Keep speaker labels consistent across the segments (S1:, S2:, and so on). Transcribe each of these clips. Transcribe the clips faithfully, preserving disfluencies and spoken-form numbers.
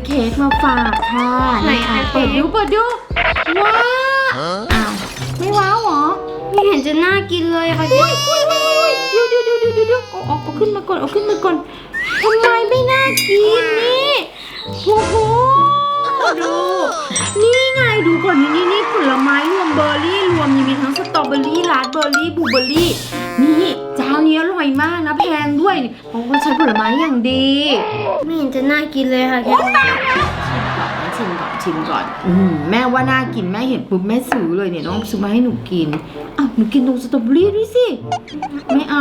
S1: เค้กมาฝากค่ะไหนคะเปิดดูเปิดดูว้าวอ้าวไม่ว้าวหรอไม่เห็นจะน่ากินเลยค่ะอุ้ยอุ้ยอุ้ยเดี๋ยวเดี๋ยวเดี๋ยวเดี๋ยวเดี๋ยวเอาเอาเอาขึ้นมาก่อนเอาขึ้นมาก่อนทำไมไม่น่ากินนี่โอ้โหดูนี่ไงดูก่อนนี่นี่นี่ผลไม้รวมเบอร์รี่รวมมีทั้งสตรอเบอร์รี่ราสเบอร์รี่บลูเบอร์รี่นี่เจ้านี้อร่อยมากนะแพงด้วยเพราะว่าใช้ผลไม้อย่างดีไม่เห็นจะน่ากินเลยค่ะแค่ชิมก่อนชิมก่อนอืมแม่ว่าน่ากินแม่เห็นปุ๊บแม่ซื้อเลยเนี่ยน้องซื้อมาให้หนูกินอ้าวหนูกินตรงสตรอเบอร์รี่ด้วยสิไม่เอา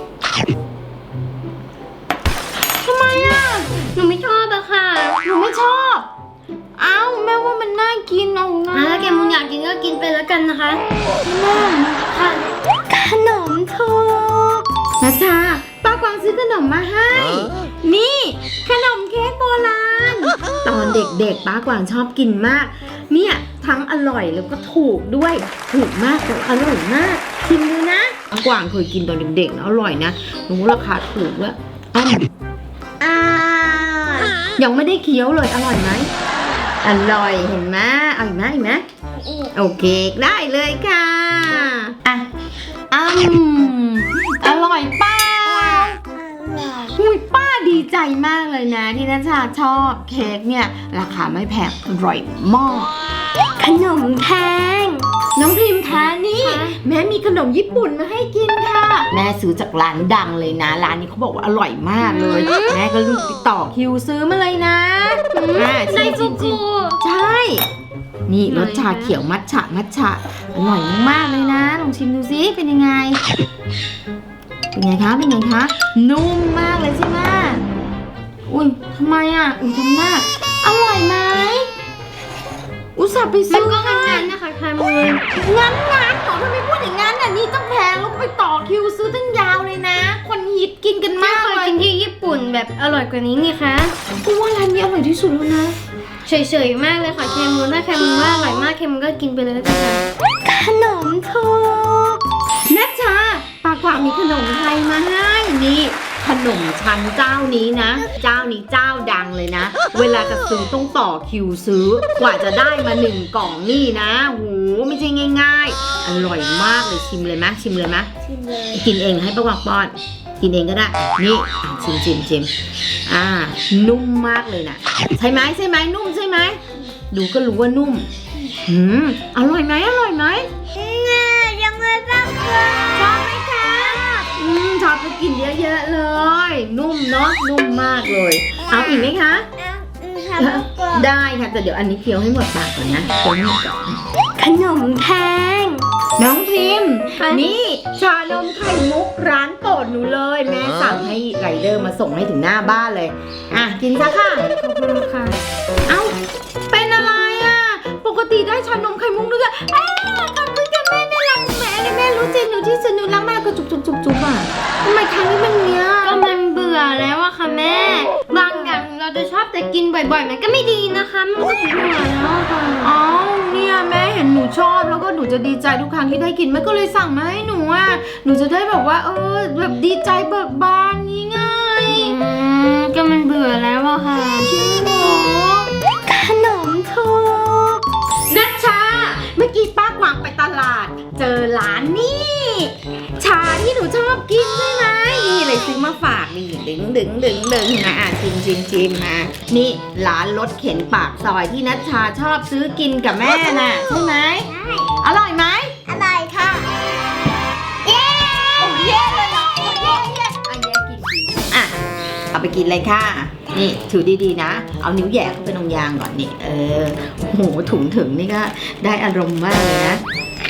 S1: ทำไมอ่ะหนูไม่ชอบอะค่ะหนูไม่ชอบอ้าวแม่ว่ามันน่ากินเอานะถ้าแกมุนอยากกินก็กินไปแล้วกันนะคะแม่ค่ะขนมถูกนะจ๊ะป้ากวางซื้อขนมมาให้นี่ขนมเค้กโบราณตอนเด็กๆป้ากวางชอบกินมากเนี่ยทั้งอร่อยแล้วก็ถูกด้วยถูกมากแต่อร่อยมากชิมดูนะป้ากวางเคยกินตอนเด็กๆนะอร่อยนะรู้ราคาถูกด้วยอ่ายังไม่ได้เคี้ยวเลยอร่อยไหมอร่อยเห็นไหมเอาอีกไหมอีกไหมโอเคได้เลยค่ะอ่ะอืมอร่อยป้าอุ้ยป้าดีใจมากเลยนะที่นัชชาชอบเค้กเนี่ยราคาไม่แพงอร่อยมากขนมแพงน้องพิมพ์คะนี่แม่มีขนมญี่ปุ่นมาให้กินค่ะแม่ซื้อจากร้านดังเลยนะร้านนี้เขาบอกว่าอร่อยมากเลยแม่ก็รีบไปต่อคิวซื้อมาเลยนะ
S2: ไดฟูกุ
S1: ใช่นี่รสชาเขียวมัทฉะมัทฉะอร่อยมากเลยนะลองชิมดูซิเป็นยังไงเป็นไงคะเป็นไงคะนุ่มมากเลยใช่ไหมอุ้ยทำไมอ่ะอุ้ยทำหน้าอร่อยไหมอุตส่าห์ไปซื้อ
S2: ก็งั้นๆนะคะค่ะมือ
S1: งั้นงั้นหรอทำไมพูดอย่างนั้นอ่ะนี่ต้องแพงแล้วไปต่อคิวซื้อตั้งยาวเลยนะคนฮิตกินกันมากเลย
S2: กินที่ญี่ปุ่นแบบอร่อยกว่านี้นี่คะ
S1: กูว่าร้านนี้อร่อยที่สุดแล้วนะ
S2: เฉยๆมากเลยค่ะเคมูนถ้าเคมูนว่าอร่อยมากเคมูนก็กินไปเลยแล้วกันค่ะ
S1: ขนมถูกนัชชาปากกวางมีขนมไทยมาให้นี่ขนมชั้นเจ้านี้นะเจ้านี้เจ้าดังเลยนะเวลาจะซื้อต้องต่อคิวซื้อกว่าจะได้มาหนึ่งกล่องนี่นะโหไม่ใช่ง่ายๆอร่อยมากเลยชิมเลยไหมชิมเลยไหม
S2: ชิมเลย
S1: กินเองให้ปากกวางป้อนกินเองก็ได้นี่ชิมชิมชิมอ่านุ่มมากเลยนะใช่ไหมใช่ไหมนุ่มใช่ไหมดูก็รู้ว่านุ่มหืมอร่อยไหมอร่อยไหม
S2: ยังเลยบ้าง
S1: ชอบไหมคะอืมชอบไปกินเยอะๆเลยนุ่มเนาะนุ่มมากเลยเอาอีกไหมคะได้ค่ะแต่เดี๋ยวอันนี้เคี้ยวให้หมดปากก่อนนะเคี้ยวให้หมดก่อนขนมแพงน้องพิมพ์นี่ชานมไข่มุกร้านโปรดหนูเลยแม่สั่งให้ไรเดอร์มาส่งให้ถึงหน้าบ้านเลยอ่ะกินซะค่ะ
S2: ขอบคุณค่ะ
S1: เอ้าเป็นอะไรอ่ะปกติได้ชานมไข่มุกด้วยเอ้ยขอบคุณค่ะแม่แม่รักแม่เลยแม่รู้ใจหนูที่สุดหนูรักมากก็จุบจุบจุบจุบอ่ะทำไมครั้งนี้มันเนี้ย
S2: ก็มันเบื่อแล้วอะค่ะแม่บางอย่างเราจะชอบแต่กินบ่อยๆมันก็ไม่ดีนะคะมันก็เบื่อแล้วค่ะ
S1: อ๋อเนี่ยแม่เห็นหนูชอบแล้วก็หนูจะดีใจทุกครั้งที่ได้กินแม่ก็เลยสั่งมาให้หนูอ่ะหนูจะได้แบบว่าเออแบบดีใจเบิกบานนี้ไง
S2: อืมก็มันเบื่อแล้วอะค่ะ
S1: จริงเหรอขนมถูกนัชชาเมื่อกี้ป้ากวางไปตลาดเจอร้านนี่ชาที่หนูชอบกินใช่ไหมนี่เลยซื้อมาฝากนี่ดึงดึงดึงดึงนะอ่ะชิมชิมชิมมานี่ร้านรถเข็นปากซอยที่นัชชาชอบซื้อกินกับแม่น่ะใช่ไหมใช่อร่อยไหม
S2: อร่อยค่ะ
S1: เย้โอ้เย้เลยเหรอโอ้เย้เย้อ่ะเย้กินกินอ่ะเอาไปกินเลยค่ะนี่ถือดีๆนะเอานิ้วแหย่เข้าไปตรงยางก่อนนี่เออโอ้โหถุงถึงนี่ก็ได้อารมณ์มากเลยนะ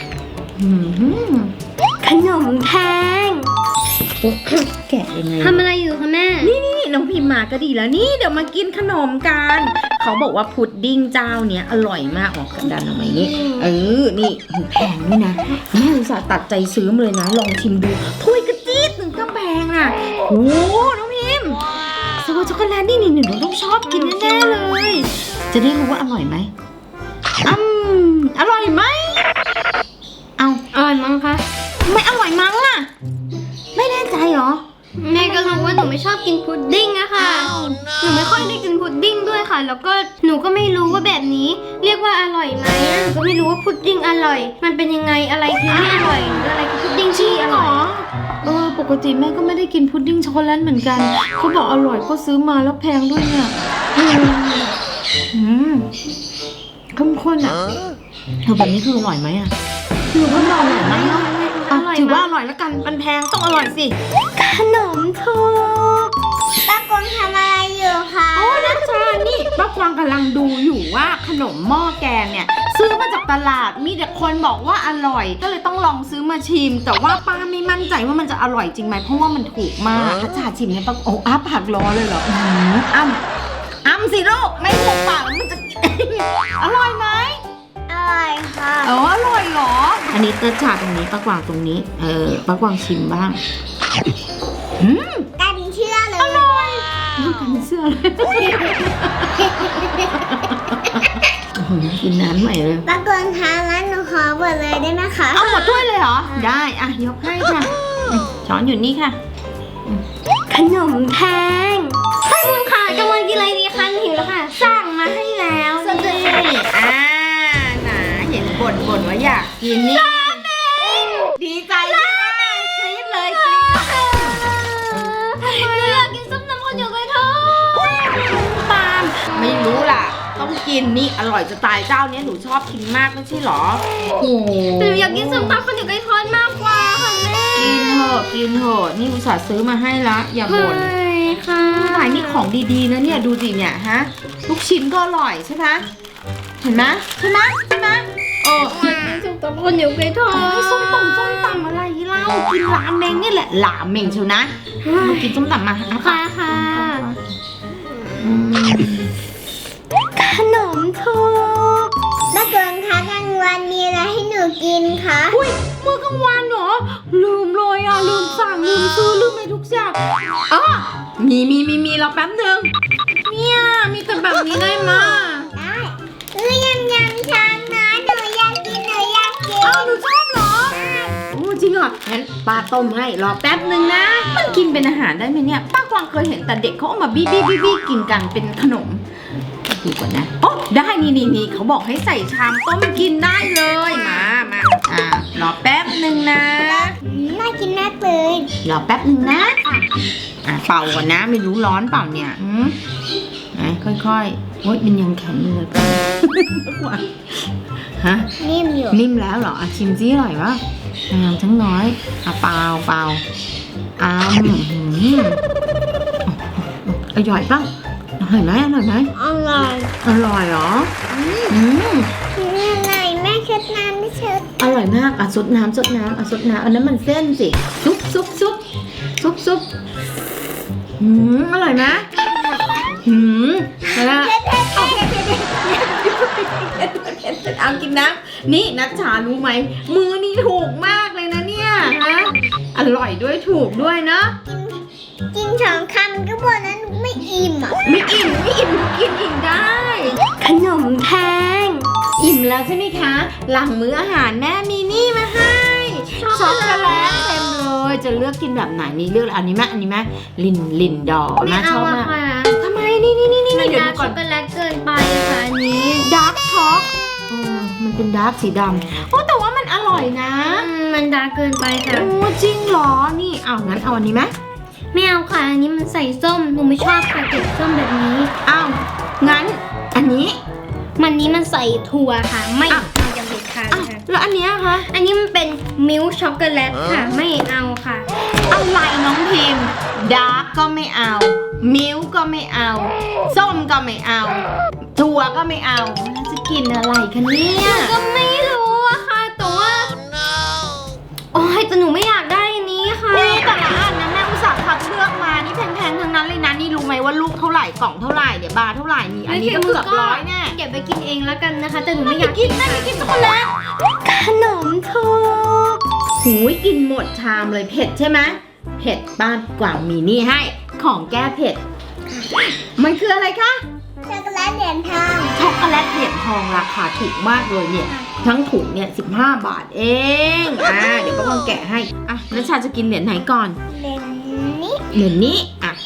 S1: ขนมแพงแกะยังไง
S2: ทำอะไรอยู่คะแม่
S1: นี่นี่น้องพิมมาก็ดีแล้วนี่เดี๋ยวมากินขนมกันเขาบอกว่าพุดดิ้งเจ้าเนี้ยอร่อยมากออกกระดานออกมาอย่างนี้เออนี่แพงนี่นะแม่อุตส่าห์ตัดใจซื้อมาเลยนะลองชิมดูถ้วยกระจี๊ดหนึ่งก็แพงอ่ะโอ้น้องพิมสวัสดีช็อกโกแลตนี่นี่หนูต้องชอบกินแน่ๆเลยจะได้รู้ว่าอร่อยไหมอืมอร่อยไหมเอา
S2: อร่อยมั้งคะ
S1: ไม่อร่อยมั้งอ่ะไม่แน่ใจเหรอ
S2: แม่ก็รู้ว่าหนูไม่ชอบกินพุดดิ้งอะค่ะหนูไม่ค่อยได้กินพุดดิ้งด้วยค่ะแล้วก็หนูก็ไม่รู้ว่าแบบนี้เรียกว่าอร่อยไหมหนูก็ไม่รู้ว่าพุดดิ้งอร่อย มันเป็นยังไงอะไรคือไม่อร่อยหรืออะไรคือพุดดิ้งที่อร่อย
S1: เออปกติแม่ก็ไม่ได้กินพุดดิ้งช็อกโกแลตเหมือนกันเขาบอกอร่อยก็ซื้อมาแล้วแพงด้วยเนี่ยอืมเข้มข้นอ่ะเธอแบบนี้คืออร่อยไหมอ่ะหนูก็บอกอร่อยไหมเนาะอ่ะถือว่าอร่อยแล้วกันมันแพงต้องอร่อยสิ
S2: ขนมถูก
S3: ป้ากงทำอะไรอยู่คะ
S1: โอ้นัชชานี่ป้ากวางกำลังดูอยู่ว่าขนมหม้อแกงเนี่ยซื้อมาจากตลาดมีแต่คนบอกว่าอร่อยก็เลยต้องลองซื้อมาชิม แต่ว่าป้าไม่มั่นใจว่ามันจะอร่อยจริงไหมเพราะว่ามันถูกมากนัชชาชิมเนี่ยป้าโอ้อ้าปากรอเลยเหรออื้อหืออ้ำอ้ำสิลูกไม่ถูกปากมันจะ อร่อยไหม
S3: อร่อยค่ะ
S1: เอออร่อยเหรออันนี้นัชชาตรงนี้ป้ากวางตรงนี้เออป้ากวางชิมบ้างอืม
S3: กลายเป็นเชื่อเลย
S1: อร่อยดูกันเสื้อเลยโอ้โหกินน้ำใหม่เลย
S3: ป้ากงทานแล้วหนูขอหมดเลยได้ไหมคะ
S1: เอาหมดถ้วยเลยเหรอ ได้อ่ะยกให้ค่ะอืมช้อนอยู่นี่ค่ะ
S2: ขนมแพงท่านคุณค่ะกำลังกินอะไรดีคะหิวแล้วค่ะ สั่งมาให้แล้ว
S1: สวัสดีอ่าหนาเห็นบ่นบ่นว่าอยากกินนี่ดีใจใช่ไหมกรี๊ดเลยกรี๊ด
S2: หนูอยากกินส้มตำข้าวเหนียวไก่ทอด
S1: ตามไม่รู้ล่ะ ต้องกินนี่อร่อยจะตายเจ้าเนี้ยหนูชอบกินมากไม่ใช่เหรอโอ้โห
S2: แต่หนูอยากกินส้มตำข้าวเหนียวไก่ทอดมากกว่าค่ะแม่
S1: กินเถอะกินเถอะนี่อุตส่าห์ซื้อมาให้ละอย่าบ่น
S2: ใช่ค่ะ
S1: ขายนี่ของดีๆนะเนี่ยดูสิเนี่ยฮะลูกชิ้นก็อร่อยใช่ไหมเห็นไหมใช่ไหมใช่ไหมเออ
S2: ส้มตำข้าวเหนียวไก่ทอด
S1: ให้ส้มตำส้มตำอะไรเล่ากินราเมงนี่แหละราเมงเชียวนะมากินส้มตำมาเอา
S2: ค่ะค่ะ
S1: อืม
S2: ขนมถูก
S3: ป้ากงคะกลางวันมีอะไรให้หนูกินคะ
S1: อุ้ยมื้อกลางวันเหรอลืมเลยอ่ะลืมสั่งลืมซื้อลืมอะไรทุกอย่างอ๋อมีมีมีมีเราแป๊บหนึงเนี่ยมีแต่แบบนี้ได้มา
S3: ได้เอ้ยยำยำชามนะหนูอยากกินหนูอยากกิน
S1: อ้าวหนูชอบเหรอโอ้จริงเหรองั้นป้าต้มให้รอแป๊บหนึ่งนะ มันกินเป็นอาหารได้ไหมเนี่ยป้ากวางเคยเห็นแต่เด็กเขาเอามาบี้บี้บี้บี้กินกันเป็นขนมดูก่อนนะโอ้ได้นี่นี่นี่เขาบอกให้ใส่ชามต้มกินได้เลยมามาอ่ารอแป๊บหนึ่งนะ
S3: อืมน่ากินมากเลย
S1: รอแป๊บหนึ่งนะอ่ะเป่าก่อนนะไม่รู้ร้อนเปล่าเนี่ยอืมไหนค่อยๆโอ๊ยมันยังแข็งอยู่เลยป้ากวางฮะ
S3: นิ่มอยู่
S1: นิ่มแล้วเหรออ่ะชิมซิอร่อยปะงามทั้งน้อยอ่ะเปล่าเปล่าอ้ามหืมอร่อยปะอร่อยไหมอร่อยไหม
S3: อร่อย
S1: อร่อยเหรออืม
S3: นี่อะไรแม่เช็ดน้ำไม่เช็ด
S1: อร่อยมากอ่ะซดน้ำซดน้ำอ่ะซดน้ำอันนั้นมันเส้นสิซุปซุปซุปซุปซุปหืมอร่อยไหมหืมแล้วเอากินน้ำนี่นัชชารู้ไหมมือนี่ถูกมากเลยนะเนี่ยฮะอร่อยด้วยถูกด้วยเนาะ
S3: กินสองคำก็บอกแล้วหนูไม่อิ่มอ่ะ
S1: ไม่อิ่มไม่อิ่มกินอิ่มได้
S2: ขนมแพง
S1: อิ่มแล้วใช่ไหมคะ หลังมื้ออาหารแม่มีนี่มาให้ช็อกโกแลตเต็มเลยจะเลือกกินแบบไหนนี่เลือกอันนี้ไหมอันนี้ไหมลินลินดอร์
S2: ไม่
S1: นะช
S2: เอา
S1: อบ
S2: อะ
S1: มาก
S2: ค่ะ
S1: ทำไมนี่นี่นี่นี่
S2: มัน
S1: เดี๋ยว
S2: ดา
S1: ดู
S2: ร์ก
S1: ก่
S2: ช็
S1: อ
S2: อน กโกแลตเกินไปอะค่ะอันนี้
S1: ดาร์กช็อกเออมันเป็นดาร์กสีดำโอ้แต่ว่ามันอร่อยนะ
S2: อืมมันดาร์กเกินไปค่ะ
S1: โอ้จริงเหรอนี่เอางั้นเอาอันนี้ไหม
S2: ไม่เอาค่ะ อันนี้มันใส่ส้ม หนูไม่ชอบค่ะเก็บส้มแบบนี้
S1: เอางั้นอันนี้
S2: มันนี้มันใส่ถั่วค่ะ ไม่
S1: อ่ะ
S2: เอาอย่างเด็ดขาด
S1: อ้าว
S2: ค่ะ
S1: แล้วอันเนี้ยคะ
S2: อันนี้มันเป็นมิลค์ช็อกโกแลตค่ะ ไม่เอาค่ะ
S1: อะไรน้องพิมพ์ดาร์กก็ไม่เอา มิลค์ก็ไม่เอา ส้มก็ไม่เอา ถั่วก็ไม่เอาแล้วจะกินอะไรคะเนี่ย
S2: ก็ไม่รู้อะค่ะ แต่ว่า โอ้ยแต่หนูไม่อยากได้อันนี้ค่ะ
S1: นี่แต่ละอันนะแม่อุตส่าห์คัดเลือกมา นี่แพงๆทั้งนั้นเลยนะ นี่รู้ไหมว่าลูกเท่าไหร่กล่องเท่าไหร่เดี๋ยวบาร์เท่าไหร่นี่อันนี้ก็เกือบร้อยแน่
S2: เก็บไปกินเองแล้วกันนะคะ แต่หนูไม่อ
S1: ไม่
S2: ยาก
S1: กินนะไม่กินช็อกโกแลต
S2: ขนมถูก
S1: หูยกินหมดชามเลยเผ็ดใช่ไหมเผ็ดบ้านกว่างมีนี่ให้ ของแก้เผ็ด มันคืออะไรคะ
S3: ช็อกโกแลตเหรียญทอง
S1: ช็อกโกแลตเหรียญทองราคาถูกมากเลยเนี่ย ทั้งถุงเนี่ยสิบห้าบาทเอง อ่า เดี๋ยวป้าพองแกะให้ อ่ะนัชชาจะกินเหรียญไหนก่อน
S3: เหรียญนี้
S1: เหรียญนี้ อ่ะ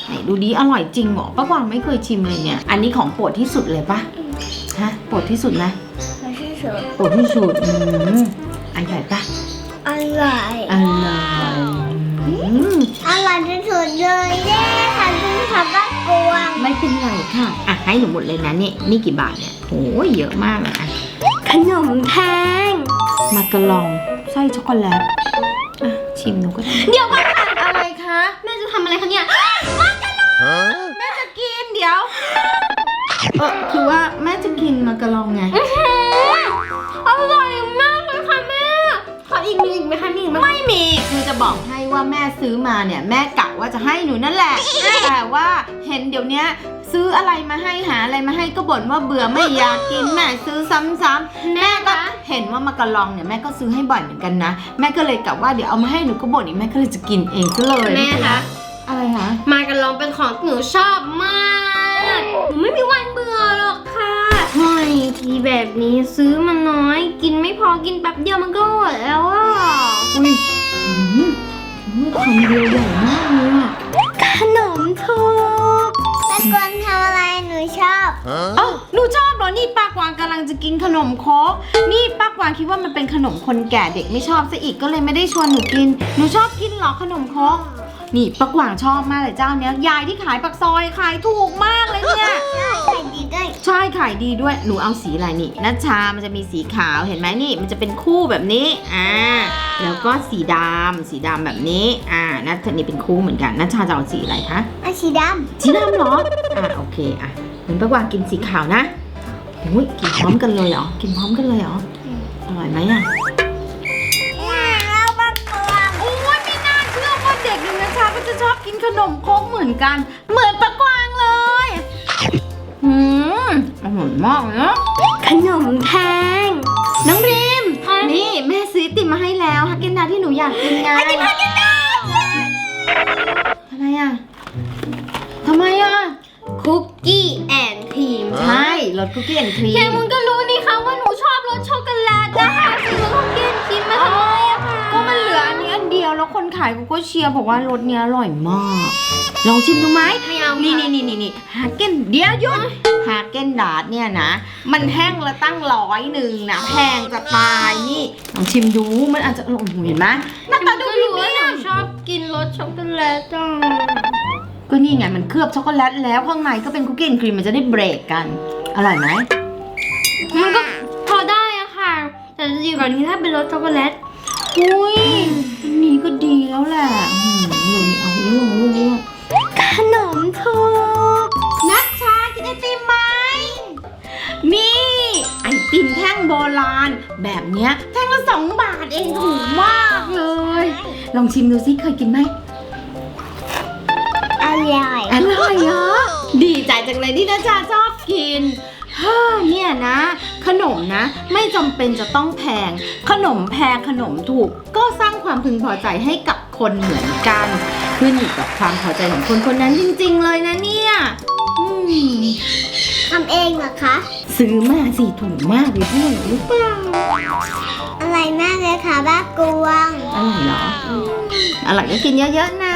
S4: ไหนดูดีอร่อยจริงเหรอป้ากวางไม่เคยชิมเลยเนี่ย อันนี้ของโปรดที่สุดเลยปะฮะโปรดที่สุดไหม
S3: ไม่ใช่สด
S4: โปรดที่สุดอืมอันใหญ่ปะ
S3: อร่อย
S4: อร่อยอืม
S3: อร่อยที่สุดเลยเด้ค่ะคุณค่ะบ้านกวาง
S4: ไม่เป็นไรค่ะอ่ะให้หนูหมดเลยนะนี่นี่กี่บาทเนี่ยโอ้ยเยอะมากเลยอ่ะ
S2: ขนมแพง
S4: มากระลองไส้ช็อกโกแลตอ่ะชิมหนูก็ได้
S2: เดี๋ยวก่อนค่ะ
S4: อะไรคะ
S2: แม่จะทำอะไรคะเนี่ย
S4: แม่จะกินเดี๋ยวเออคือว่าแม่จะกินมากระลองไง
S2: อร่อยมากเลยค่ะแม่ ขออีกมีอีกไหมคะมีอีกไหม
S4: ไม่มีคือจะบอกให้ว่าแม่ซื้อมาเนี่ยแม่กะว่าจะให้หนูนั่นแหละ แต่ว่าเห็นเดี๋ยวนี้ซื้ออะไรมาให้หาอะไรมาให้ก็บ่นว่าเบื่อไม่อยากกินแม่ซื้อซ้ำๆแม่ก็เห็นว่ามากระลองเนี่ยแม่ก็ซื้อให้บ่อยเหมือนกันนะแม่ก็เลยกะว่าเดี๋ยวเอามาให้หนูก็บ่นอีกแม่ก็เลยจะกินเองซะเลย
S2: แม่คะ
S4: อะไรคะ
S2: มากันลองเป็นของหนูชอบมากหนูไม่มีวันเบื่อหรอกค่ะเฮ้ยทีแบบนี้ซื้อมาน้อย กินไม่พอกินแป๊บเดียวมันก็หมดแล้วอ่ะ
S4: อุ้ยอืมคำเดียวใหญ่มากเลยอะ
S2: ขนมถูก
S3: บ้านกวางทำอะไรหนูชอบ
S4: เอ้าหนูชอบเหรอนี่ป้ากวางกำลังจะกินขนมโคกนี่ป้ากวางคิดว่ามันเป็นขนมคนแก่เด็กไม่ชอบซะอีกก็เลยไม่ได้ชวนหนูกินหนูชอบกินเหรอขนมโคกนี่ป้ากวางชอบมากเลยเจ้าเนี้ยยายที่ขายปากซอยขายถูกมากเลยเนี่ย
S3: ใส่ดีด้วย
S4: ใช่ขายดีด้วยหนูเอาสีอะไรนี่นัชชามันจะมีสีขาวเห็นไหมนี่มันจะเป็นคู่แบบนี้อ่าแล้วก็สีดำสีดำแบบนี้อ่านัชนี่เป็นคู่เหมือนกันนัชชาจะเอาสีอะไรคะ
S3: อาชีด
S4: สีดำเหรอ อ่ะโอเคอ่ะงั้นป้ากวางกินสีขาวนะอุ้ยกินพร้อมกันเลยเหรอ กินพร้อมกันเลยเหรอ อร่อยไหมอ่ะ
S3: ำเนี่ยเราบ้านกวาง
S4: โอ้ยไม่น่าเชื่อว่าเด็กอย่างนะชาก็จะชอบกินขนมโค้กเหมือนกัน เหมือนป้ากวางเลยหืมอร่อยมากเลยนะ
S2: ขนมแพง
S4: น้องริม นี่แม่ซื้อไอติมมาให้แล้วฮักเกนดาที่หนูอยากกินไงฮักเกนดาทำไมอ่ะทำไมอ่ะ
S2: คุกกี้แอนด์ครีม
S4: ใช่รสคุกกี้แอนด์ครีม
S2: แค่มุนก็รู้นี่คะว่าหนูชอบรสช็อกโกแลตนะคะซื้อรสคุกกี้แอนด์ครีมมาทำไมอะคะ
S4: ก็มันเหลืออันนี้อันเดียวแล้วคนขายเขาก็เชียร์บอกว่ารสเนี้ยอร่อยมาก ลองชิมดูไหม
S2: ไม่เอา
S4: นี่
S2: นี่
S4: นี่นี่นี่นี่ฮาเก้นเดียวหยุดฮาเก้นดาร์ดเนี่ยนะ มันแท่งละตั้งร้อยหนึ่งนะแพงจะตายนี่ลองชิมดูมันอาจจะอร่อยเห็นไหมหน้าตาดู
S2: ก็
S4: พรี
S2: รู้ว่า
S4: เมี
S2: ห
S4: ย
S2: นู
S4: ม
S2: ชอบกินรสช็อกโกแลตจัง
S4: ก็นี่ไงมันเคลือบช็อกโกแลตแล้วข้างในก็เป็นคุกกี้แอนด์ครีมมันจะได้เบรกกัน อร่อยไหม
S2: มันก็พอได้อะค่ะ แต่จะดีกว่านี้ถ้าเป็นรสช็อกโกแลต
S4: อุ้ยอันนี้ก็ดีแล้วแหละอืมเดี๋ยวนี้เอาเรื่องเรื่อง
S2: ขนมถูก
S4: นัชชากินไอติมไหม นี่ไอติมแท่งโบราณ แบบเนี้ยแท่งละสองบาทเองถูกมากเลย ลองชิมดูสิเคยกินไหม
S3: อร่อย
S4: อร่อยเหรอดีใจจังเลยที่นัชชาชอบกินฮ่าเนี่ยนะ ขนมนะ ไม่จำเป็นจะต้องแพง ขนมแพงขนมถูก ก็สร้างความพึงพอใจให้กับคนเหมือนกัน ขึ้นอยู่กับความพอใจของคนคนนั้นจริงๆเลยนะเนี่ยอืม
S3: ทำเองเหรอคะ
S4: ซื้อมาสิถูกมากเลยพี่หรือเปล่า
S3: อร่อยมากเลยค่ะบ้านกวาง
S4: อร่อยเหรออร่อยก็กินเยอะๆนะ